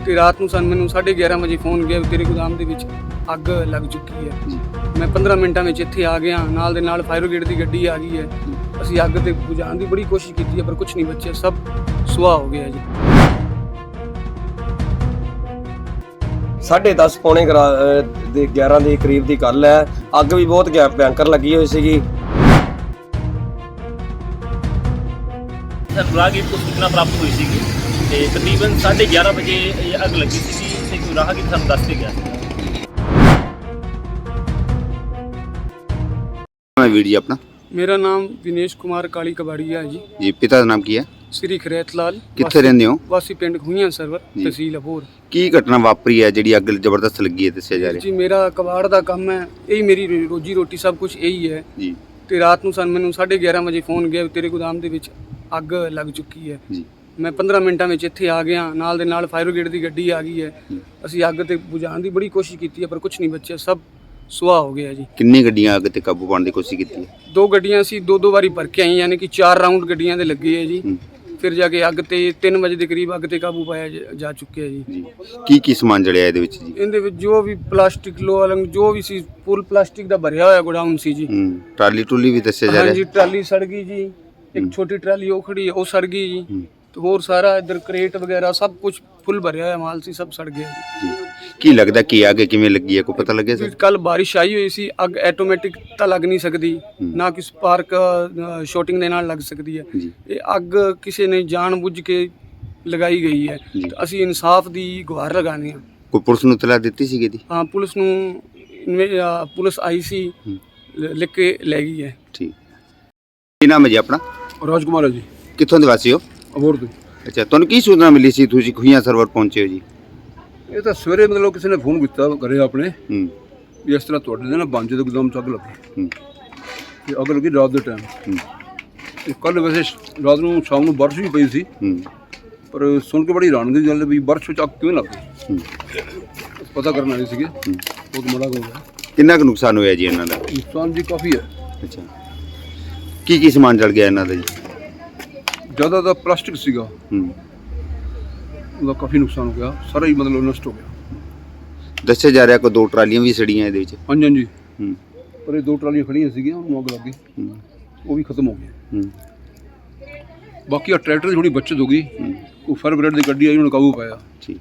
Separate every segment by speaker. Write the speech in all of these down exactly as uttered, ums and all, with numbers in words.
Speaker 1: ਤੇ ਰਾਤ ਨੂੰ ਸਾਨੂੰ ਮੈਨੂੰ ਸਾਢੇ ਗਿਆਰਾਂ ਵਜੇ ਫੋਨ ਗਿਆ ਤੇਰੇ ਗੋਦਾਮ ਦੇ ਵਿੱਚ ਅੱਗ ਲੱਗ ਚੁੱਕੀ ਹੈ। ਮੈਂ ਪੰਦਰਾਂ ਮਿੰਟਾਂ ਵਿੱਚ ਇੱਥੇ ਆ ਗਿਆ, ਨਾਲ ਦੇ ਨਾਲ ਫਾਇਰ ਬ੍ਰਿਗੇਡ ਦੀ ਗੱਡੀ ਆ ਗਈ ਹੈ। ਅਸੀਂ ਅੱਗ ਤੇ ਬੁਝਾਉਣ ਦੀ ਬੜੀ ਕੋਸ਼ਿਸ਼ ਕੀਤੀ ਹੈ ਪਰ ਕੁਝ ਨਹੀਂ ਬਚਿਆ, ਸਭ ਸੁਆਹ ਹੋ ਗਿਆ ਜੀ।
Speaker 2: ਸਾਢੇ ਦਸ ਪੌਣੇ ਦੇ ਗਿਆਰਾਂ ਦੇ ਕਰੀਬ ਦੀ ਗੱਲ ਹੈ। ਅੱਗ ਵੀ ਬਹੁਤ ਭਿਆਨਕ ਲੱਗੀ ਹੋਈ ਸੀਗੀ।
Speaker 3: ਰਾਹਗੀਰ ਤੋਂ ਸੂਚਨਾ ਪ੍ਰਾਪਤ ਹੋਈ ਸੀਗੀ ਤੇ ਤਕਰੀਬਨ ਸਾਢੇ ਗਿਆਰਾਂ ਵਜੇ ਇਹ ਅੱਗ ਲੱਗੀ ਸੀਗੀ ਤੇ ਕੋਈ ਰਾਹਗੀਰ ਸਾਨੂੰ ਦੱਸ ਕੇ ਗਿਆ ਸੀ।
Speaker 4: ਵੀਰ ਜੀ ਆਪਣਾ?
Speaker 1: ਮੇਰਾ ਨਾਮ ਵਿਨੇਸ਼ ਕੁਮਾਰ ਕਾਲੀ ਕਬਾੜੀਆ ਹੈ ਜੀ।
Speaker 4: ਜੀ ਪਿਤਾ ਦਾ ਨਾਮ ਕੀ ਹੈ?
Speaker 1: ਸ੍ਰੀ ਖਰੇਤ ਲਾਲ।
Speaker 4: ਕਿੱਥੇ ਰਹਿੰਦੇ ਹੋ?
Speaker 1: ਵਾਸੀ ਪਿੰਡ ਖੂਹੀਆਂ ਸਰਵਰ, ਤਹਿਸੀਲ ਅਬੋਹਰ।
Speaker 4: ਕੀ ਘਟਨਾ ਵਾਪਰੀ ਹੈ ਜਿਹੜੀ ਅੱਗ ਜ਼ਬਰਦਸਤ ਲੱਗੀ ਹੈ ਦੱਸਿਆ ਜਾ ਰਿਹਾ?
Speaker 1: ਜੀ ਮੇਰਾ ਕਬਾੜ ਦਾ ਕੰਮ ਹੈ, ਇਹੀ ਮੇਰੀ ਰੋਜੀ ਰੋਟੀ ਸਭ ਕੁਝ ਇਹੀ ਹੈ
Speaker 4: ਜੀ।
Speaker 1: ਤੇ ਰਾਤ ਨੂੰ ਸਾਨੂੰ ਮੈਨੂੰ ਸਾਢੇ ਗਿਆਰਾਂ ਵਜੇ ਫੋਨ ਗਿਆ ਤੇਰੇ ਗੋਦਾਮ ਦੇ ਵਿੱਚ ਅੱਗ ਲੱਗ ਚੁੱਕੀ ਹੈ
Speaker 4: ਜੀ।
Speaker 1: ਮੈਂ ਪੰਦਰਾਂ ਮਿੰਟਾਂ ਵਿੱਚ ਇੱਥੇ ਆ ਗਿਆ, ਨਾਲ ਦੇ ਨਾਲ ਫਾਇਰ ਬ੍ਰਿਗੇਡ ਦੀ ਗੱਡੀ ਆ ਗਈ ਹੈ। ਅਸੀਂ ਅੱਗ ਤੇ ਬੁਝਾਉਣ ਦੀ ਬੜੀ ਕੋਸ਼ਿਸ਼ ਕੀਤੀ ਹੈ ਪਰ ਕੁਝ ਨਹੀਂ ਬਚਿਆ, ਸਭ ਸੁਆਹ ਹੋ ਗਿਆ ਜੀ।
Speaker 4: ਕਿੰਨੀ ਗੱਡੀਆਂ ਅੱਗ ਤੇ ਕਾਬੂ ਪਾਉਣ ਦੀ ਕੋਸ਼ਿਸ਼ ਕੀਤੀ ਹੈ?
Speaker 1: ਦੋ ਗੱਡੀਆਂ ਸੀ, ਦੋ ਦੋ ਵਾਰੀ ਭਰ ਕੇ ਆਈ, ਯਾਨੀ ਕਿ ਚਾਰ ਰਾਊਂਡ ਗੱਡੀਆਂ ਦੇ ਲੱਗੇ ਹੈ ਜੀ। ਫਿਰ ਜਾ ਕੇ ਅੱਗ ਤੇ ਤਿੰਨ ਵਜੇ ਦੇ ਕਰੀਬ ਅੱਗ ਤੇ ਕਾਬੂ ਪਾਇਆ ਜਾ ਚੁੱਕਿਆ ਜੀ।
Speaker 4: ਜੀ ਕੀ ਕੀ ਸਮਾਨ ਜਲਿਆ ਇਹਦੇ ਵਿੱਚ ਜੀ?
Speaker 1: ਇਹਦੇ ਵਿੱਚ ਜੋ ਵੀ ਪਲਾਸਟਿਕ ਲੋਹਾ ਲੰਗ ਜੋ ਵੀ ਸੀ ਫੁੱਲ ਪਲਾਸਟਿਕ ਦਾ ਭਰਿਆ ਹੋਇਆ ਗੋਡਾਊਨ ਸੀ ਜੀ।
Speaker 4: ਹੂੰ ਟਰਾਲੀ ਟੁਲੀ ਵੀ ਦੱਸਿਆ ਜਾ ਰਿਹਾ?
Speaker 1: ਹਾਂਜੀ ਟਰਾਲੀ ਸੜ ਗਈ ਜੀ, ਇੱਕ ਛੋਟੀ ਟਰਾਲੀ ਉਹ ਖੜੀ ਹੈ ਉਹ ਸੜ ਗਈ ਜੀ। ਤੇ ਹੋਰ ਸਾਰਾ ਇੱਧਰ ਕਰੇਟ ਵਗੈਰਾ ਸਭ ਕੁਝ ਫੁੱਲ ਭਰਿਆ ਹੋਇਆ ਮਾਲ ਸੀ, ਸਭ ਸੜ ਗਿਆ ਜੀ।
Speaker 4: ਕੀ ਲੱਗਦਾ ਕੀ ਅੱਗ ਕਿਵੇਂ ਲੱਗੀ ਹੈ, ਕੋਈ ਪਤਾ ਲੱਗਿਆ ਸਰ?
Speaker 1: ਕੱਲ ਬਾਰਿਸ਼ ਆਈ ਹੋਈ ਸੀ, ਅੱਗ ਆਟੋਮੈਟਿਕ ਤਾਂ ਲੱਗ ਨਹੀਂ ਸਕਦੀ, ਨਾ ਕਿ ਸਪਾਰਕ ਸ਼ਾਰਟਿੰਗ ਦੇ ਨਾਲ ਲੱਗ ਸਕਦੀ ਹੈ। ਇਹ ਅੱਗ ਕਿਸੇ ਨੇ ਜਾਣ ਬੁੱਝ ਕੇ ਲਗਾਈ ਗਈ ਹੈ। ਅਸੀਂ ਇਨਸਾਫ ਦੀ ਗੁਹਾਰ ਲਗਾਉਂਦੇ ਹਾਂ।
Speaker 4: ਕੋਈ ਪੁਲਿਸ ਨੂੰ ਇਤਲਾਹ ਦਿੱਤੀ ਸੀਗੀ ਦੀ?
Speaker 1: ਹਾਂ ਪੁਲਿਸ ਨੂੰ ਪੁਲਿਸ ਆਈ ਸੀ, ਲਿਖ ਕੇ ਲੈ ਗਈ ਹੈ।
Speaker 4: ਠੀਕ। ਕੀ ਨਾਮ ਹੈ ਜੀ ਆਪਣਾ?
Speaker 5: ਰਾਜ ਕੁਮਾਰ ਹੈ ਜੀ।
Speaker 4: ਕਿੱਥੋਂ ਦੇ ਵਾਸੀ ਹੋ?
Speaker 5: ਅਬੋਹਰ ਤੋਂ।
Speaker 4: ਅੱਛਾ, ਤੁਹਾਨੂੰ ਕੀ ਸੂਚਨਾ ਮਿਲੀ ਸੀ ਤੁਸੀਂ ਖੂਹੀਆਂ ਸਰਵਰ ਪਹੁੰਚੇ ਹੋ ਜੀ?
Speaker 5: ਇਹ ਤਾਂ ਸਵੇਰੇ ਮਤਲਬ ਕਿਸੇ ਨੇ ਫੋਨ ਕੀਤਾ ਕਰੇ ਆਪਣੇ
Speaker 4: ਹੂੰ
Speaker 5: ਵੀ ਇਸ ਤਰ੍ਹਾਂ ਤੁਹਾਡੇ ਦੇ ਨਾ ਬਾਂਝੇ ਦੇ ਗੋਦਾਮ 'ਚ ਅੱਗ ਲੱਗੀ।
Speaker 4: ਹੂੰ
Speaker 5: ਤੇ ਅੱਗ ਲੱਗੀ ਰਾਤ ਦੇ ਟਾਈਮ।
Speaker 4: ਹੂੰ
Speaker 5: ਤੇ ਕੱਲ੍ਹ ਵੈਸੇ ਰਾਤ ਨੂੰ ਸ਼ਾਮ ਨੂੰ ਬਾਰਿਸ਼ ਵੀ ਪਈ ਸੀ,
Speaker 4: ਹੂੰ
Speaker 5: ਪਰ ਸੁਣ ਕੇ ਬੜੀ ਹੈਰਾਨਗੀ ਦੀ ਗੱਲ ਵੀ ਬਾਰਿਸ਼ ਵਿੱਚ ਅੱਗ ਕਿਵੇਂ ਲੱਗ ਗਈ।
Speaker 4: ਹੂੰ
Speaker 5: ਪਤਾ ਕਰਨ ਆਏ ਸੀਗੇ, ਬਹੁਤ ਮਾੜਾ ਹੋ ਗਿਆ।
Speaker 4: ਕਿੰਨਾ ਕੁ ਨੁਕਸਾਨ ਹੋਇਆ ਜੀ ਇਹਨਾਂ ਦਾ?
Speaker 5: ਨੁਕਸਾਨ ਜੀ ਕਾਫੀ ਹੈ।
Speaker 4: ਅੱਛਾ, ਕੀ ਕੀ ਸਮਾਨ ਜਲ ਗਿਆ ਇਹਨਾਂ ਦਾ ਜੀ?
Speaker 5: ਜ਼ਿਆਦਾ ਤਾਂ ਪਲਾਸਟਿਕ ਸੀਗਾ,
Speaker 4: ਹੂੰ
Speaker 5: ਉਹਦਾ ਕਾਫੀ ਨੁਕਸਾਨ ਹੋ ਗਿਆ, ਸਾਰਾ ਹੀ ਮਤਲਬ ਨਸ਼ਟ ਹੋ ਗਿਆ।
Speaker 4: ਦੱਸਿਆ ਜਾ ਰਿਹਾ ਕੋਈ ਦੋ ਟਰਾਲੀਆਂ ਵੀ ਸੜੀਆਂ ਇਹਦੇ ਵਿੱਚ?
Speaker 5: ਹਾਂਜੀ ਹਾਂਜੀ,
Speaker 4: ਹੂੰ
Speaker 5: ਪਰ ਇਹ ਦੋ ਟਰਾਲੀਆਂ ਖੜੀਆਂ ਸੀਗੀਆਂ, ਉਹਨੂੰ ਅੱਗ ਲੱਗ ਗਈ,
Speaker 4: ਹੂੰ
Speaker 5: ਉਹ ਵੀ ਖਤਮ ਹੋ ਗਈਆਂ।
Speaker 4: ਹੂੰ
Speaker 5: ਬਾਕੀ ਆ ਟਰੈਕਟਰ ਦੀ ਥੋੜੀ ਬੱਚਤ ਹੋ ਗਈ, ਉਹ ਫਾਇਰ ਬ੍ਰਿਗੇਡ ਦੀ ਗੱਡੀ ਆਈ, ਉਹਨੇ ਕਾਬੂ ਪਾਇਆ।
Speaker 4: ਠੀਕ।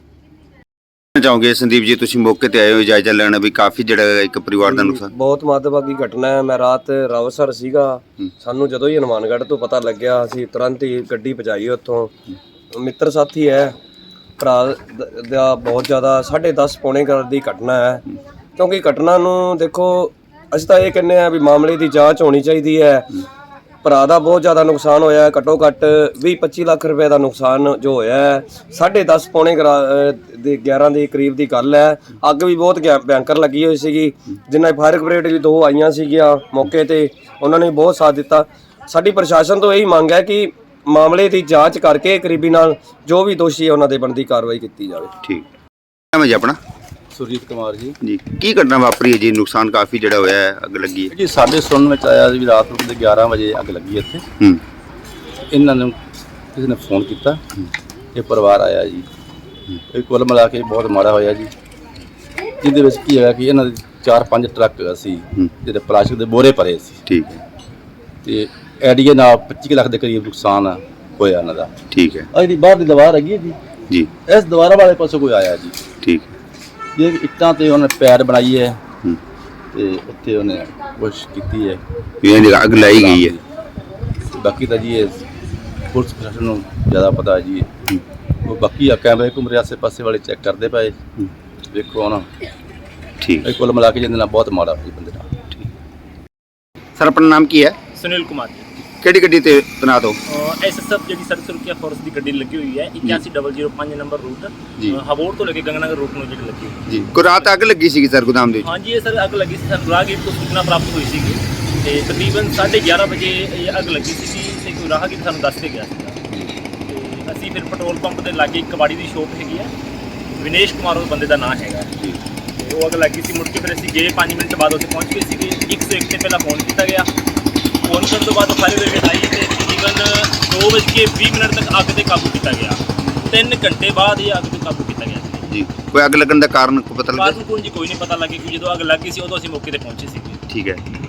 Speaker 4: ਚਾਹੋਗੇ ਸੰਦੀਪ ਜੀ, ਤੁਸੀਂ ਮੌਕੇ ਤੇ ਆਏ ਹੋ ਜਾਇਜ਼ਾ ਲੈਣਾ ਵੀ ਕਾਫੀ ਜਿਹੜਾ ਇੱਕ ਪਰਿਵਾਰ ਦਾ ਨੁਕਸਾਨ?
Speaker 2: ਬਹੁਤ ਮੰਦਭਾਗੀ ਘਟਨਾ ਹੈ। ਮੈਂ ਰਾਤ ਰਾਵਸਰ ਸੀਗਾ, ਸਾਨੂੰ ਜਦੋਂ ਹੀ ਹਨੂੰਮਾਨਗੜ੍ਹ ਤੋਂ ਪਤਾ ਲੱਗਿਆ ਅਸੀਂ ਤੁਰੰਤ ਹੀ ਗੱਡੀ ਪਹੁੰਚਾਈ ਉੱਥੋਂ। ਮਿੱਤਰ ਸਾਥੀ ਹੈ, ਭਰਾ ਦਾ ਬਹੁਤ ਜ਼ਿਆਦਾ ਸਾਢੇ ਦਸ ਪੌਣੇ ਦੀ ਘਟਨਾ ਹੈ। ਕਿਉਂਕਿ ਘਟਨਾ ਨੂੰ ਦੇਖੋ, ਅਸੀਂ ਤਾਂ ਇਹ ਕਹਿੰਦੇ ਆ ਵੀ ਮਾਮਲੇ ਦੀ ਜਾਂਚ ਹੋਣੀ ਚਾਹੀਦੀ ਹੈ। ਭਰਾ ਦਾ ਬਹੁਤ ਜ਼ਿਆਦਾ ਨੁਕਸਾਨ ਹੋਇਆ, ਘੱਟੋ ਘੱਟ ਵੀਹ ਪੱਚੀ ਲੱਖ ਰੁਪਏ ਦਾ ਨੁਕਸਾਨ ਜੋ ਹੋਇਆ ਹੈ। ਸਾਢੇ ਦਸ ਪੌਣੇ ਦੇ ਗਿਆਰਾਂ ਦੇ ਕਰੀਬ ਦੀ ਗੱਲ ਹੈ। ਅੱਗ ਵੀ ਬਹੁਤ ਭਿਆਨਕ ਲੱਗੀ ਹੋਈ ਸੀਗੀ, ਜਿਨ੍ਹਾਂ ਫਾਇਰ ਬ੍ਰਿਗੇਡ ਵੀ ਦੋ ਆਈਆਂ ਸੀਗੀਆਂ ਮੌਕੇ ਤੇ, ਉਹਨਾਂ ਨੇ ਬਹੁਤ ਸਾਥ ਦਿੱਤਾ। ਸਾਡੀ ਪ੍ਰਸ਼ਾਸਨ ਤੋਂ ਇਹੀ ਮੰਗ ਹੈ ਕਿ ਮਾਮਲੇ ਦੀ ਜਾਂਚ ਕਰਕੇ ਕਰੀਬੀ ਨਾਲ ਜੋ ਵੀ ਦੋਸ਼ੀ ਹੈ ਉਹਨਾਂ ਦੇ ਬਣਦੀ ਕਾਰਵਾਈ ਕੀਤੀ ਜਾਵੇ।
Speaker 4: ਠੀਕ। ਨਾਮ ਹੈ ਜੀ ਆਪਣਾ?
Speaker 6: ਸੁਰਜੀਤ ਕੁਮਾਰ ਜੀ।
Speaker 4: ਜੀ ਕੀ ਘਟਨਾ ਵਾਪਰੀ ਹੈ ਜੀ? ਨੁਕਸਾਨ ਕਾਫੀ ਜਿਹੜਾ ਹੋਇਆ ਹੈ, ਅੱਗ ਲੱਗੀ ਹੈ
Speaker 6: ਜੀ ਸਾਡੇ ਸੁਣਨ ਵਿੱਚ ਆਇਆ ਵੀ ਰਾਤ ਨੂੰ ਗਿਆਰਾਂ ਵਜੇ ਅੱਗ ਲੱਗੀ ਇੱਥੇ।
Speaker 4: ਹੂੰ
Speaker 6: ਇਹਨਾਂ ਨੂੰ ਕਿਸੇ ਨੇ ਫੋਨ ਕੀਤਾ, ਇਹ ਪਰਿਵਾਰ ਆਇਆ ਜੀ। ਇਹ ਕੁੱਲ ਮਿਲਾ ਕੇ ਬਹੁਤ ਮਾੜਾ ਹੋਇਆ ਜੀ। ਜਿਹਦੇ ਵਿੱਚ ਕੀ ਹੋਇਆ ਕਿ ਇਹਨਾਂ ਦੇ ਚਾਰ ਪੰਜ ਟਰੱਕ ਸੀ ਜਿਹੜੇ ਪਲਾਸਟਿਕ ਦੇ ਬੋਰੇ ਭਰੇ ਸੀ।
Speaker 4: ਠੀਕ ਹੈ।
Speaker 6: ਤੇ ਐਡੀਏ ਨਾਲ ਪੱਚੀ ਲੱਖ ਦੇ ਕਰੀਬ ਨੁਕਸਾਨ ਹੋਇਆ ਇਹਨਾਂ ਦਾ।
Speaker 4: ਠੀਕ ਹੈ।
Speaker 6: ਆ ਜਿਹੜੀ ਬਾਹਰ ਦੀ ਦੀਵਾਰ ਹੈਗੀ ਹੈ ਜੀ, ਜੀ ਇਸ ਦੀਵਾਰਾਂ ਵਾਲੇ ਪਾਸੋਂ ਕੋਈ ਆਇਆ ਜੀ।
Speaker 4: ਠੀਕ ਹੈ।
Speaker 6: ਇਹ ਇੱਟਾਂ ਤੇ ਉਹਨੇ ਪੈਰ ਬਣਾਈ ਹੈ ਤੇ ਉੱਥੇ ਉਹਨੇ ਕੋਸ਼ਿਸ਼ ਕੀਤੀ ਹੈ
Speaker 4: ਵੀ ਇਹਦੀ ਅੱਗ ਲਾਈ ਗਈ ਹੈ।
Speaker 6: ਬਾਕੀ ਤਾਂ ਜੀ ਇਹ ਪੁਲਿਸ ਪ੍ਰਸ਼ਾਸਨ ਨੂੰ ਜ਼ਿਆਦਾ ਪਤਾ ਹੈ ਜੀ। ਉਹ ਬਾਕੀ ਆ ਕੈਮਰੇ ਘੁੰਮ ਰਹੇ ਆਸੇ ਪਾਸੇ ਵਾਲੇ ਚੈੱਕ ਕਰਦੇ ਪਏ, ਵੇਖੋ ਹੁਣ।
Speaker 4: ਠੀਕ।
Speaker 6: ਇਹ ਕੁੱਲ ਮਿਲਾ ਕੇ ਜਿਹਦੇ ਨਾਲ ਬਹੁਤ ਮਾੜਾ ਹੋਈ ਬੰਦੇ ਨਾਲ।
Speaker 4: ਸਰ ਆਪਣਾ ਨਾਮ ਕੀ ਹੈ?
Speaker 3: ਸੁਨੀਲ ਕੁਮਾਰ ਜੀ।
Speaker 4: ਕਿਹੜੀ ਗੱਡੀ ਤੇ ਤੈਨਾਤ ਹੋ?
Speaker 3: ਐਸਐਸਐਫ ਜਿਹੜੀ ਸੜਕ ਸੁਰੱਖਿਆ ਫੋਰਸ ਦੀ ਗੱਡੀ ਲੱਗੀ ਹੋਈ ਹੈ, ਇਕਾਸੀ ਜ਼ੀਰੋ ਜ਼ੀਰੋ ਪੰਜ ਨੰਬਰ ਰੂਟ, ਹਬੋਰ ਤੋਂ ਲੈ ਕੇ ਗੰਗਨਗਰ ਰੂਟ ਨੂੰ ਜਿਹੜੀ ਲੱਗੀ ਹੋਈ
Speaker 4: ਜੀ। ਕੋਈ ਰਾਤ ਅੱਗ ਲੱਗੀ ਸੀਗੀ ਸਰ ਗੋਦਾਮ ਦੇ ਵਿੱਚ?
Speaker 3: ਹਾਂਜੀ ਇਹ ਸਰ ਅੱਗ ਲੱਗੀ ਸੀ, ਸਾਨੂੰ ਰਾਹਗੀਰ ਤੋਂ ਸੂਚਨਾ ਪ੍ਰਾਪਤ ਹੋਈ ਸੀਗੀ ਤੇ ਤਕਰੀਬਨ ਸਾਢੇ ਗਿਆਰਾਂ ਵਜੇ ਇਹ ਅੱਗ ਲੱਗੀ ਸੀਗੀ ਤੇ ਕੋਈ ਰਾਹਗੀਰ ਸਾਨੂੰ ਦੱਸ ਕੇ ਗਿਆ ਸੀਗਾ। ਤੇ ਅਸੀਂ ਫਿਰ ਪੈਟਰੋਲ ਪੰਪ ਦੇ ਲਾਗੇ ਇੱਕ ਕਬਾੜੀ ਦੀ ਸ਼ੋਪ ਹੈਗੀ ਹੈ, ਵਿਨੇਸ਼ ਕੁਮਾਰ ਉਹ ਬੰਦੇ ਦਾ ਨਾਂ ਹੈਗਾ। ਤੇ ਉਹ ਅੱਗ ਲੱਗੀ ਸੀ, ਮੁੜ ਕੇ ਫਿਰ ਅਸੀਂ ਗਏ, ਪੰਜ ਮਿੰਟ ਬਾਅਦ ਉੱਥੇ ਪਹੁੰਚ ਗਏ ਸੀਗੇ। ਇੱਕ ਸੌ ਇੱਕ ਤੇ ਪਹਿਲਾਂ ਫੋਨ ਕੀਤਾ ਗਿਆ, ਫੋਨ ਕਰਨ ਤੋਂ ਬਾਅਦ ਫਾਇਰ ਬ੍ਰਿਗੇਡ ਆਈ ਤੇ ਤਕਰੀਬਨ ਦੋ ਵੱਜ ਕੇ ਵੀਹ ਮਿੰਟ ਤੱਕ ਅੱਗ 'ਤੇ ਕਾਬੂ ਕੀਤਾ ਗਿਆ। ਤਿੰਨ ਘੰਟੇ ਬਾਅਦ ਇਹ ਅੱਗ ਤੇ ਕਾਬੂ ਕੀਤਾ ਗਿਆ ਸੀ
Speaker 4: ਜੀ ਕੋਈ ਅੱਗ ਲੱਗਣ ਦਾ ਕਾਰਨ ਕੋਈ ਪਤਾ ਲੱਗਿਆ
Speaker 3: ਕਾਰਨ ਕੋਈ ਜੀ ਕੋਈ ਨਹੀਂ ਪਤਾ ਲੱਗਿਆ ਕਿ ਜਦੋਂ ਅੱਗ ਲੱਗੀ ਸੀ ਉਦੋਂ ਅਸੀਂ ਮੌਕੇ ਤੇ ਪਹੁੰਚੇ ਸੀ।
Speaker 4: ਠੀਕ ਹੈ।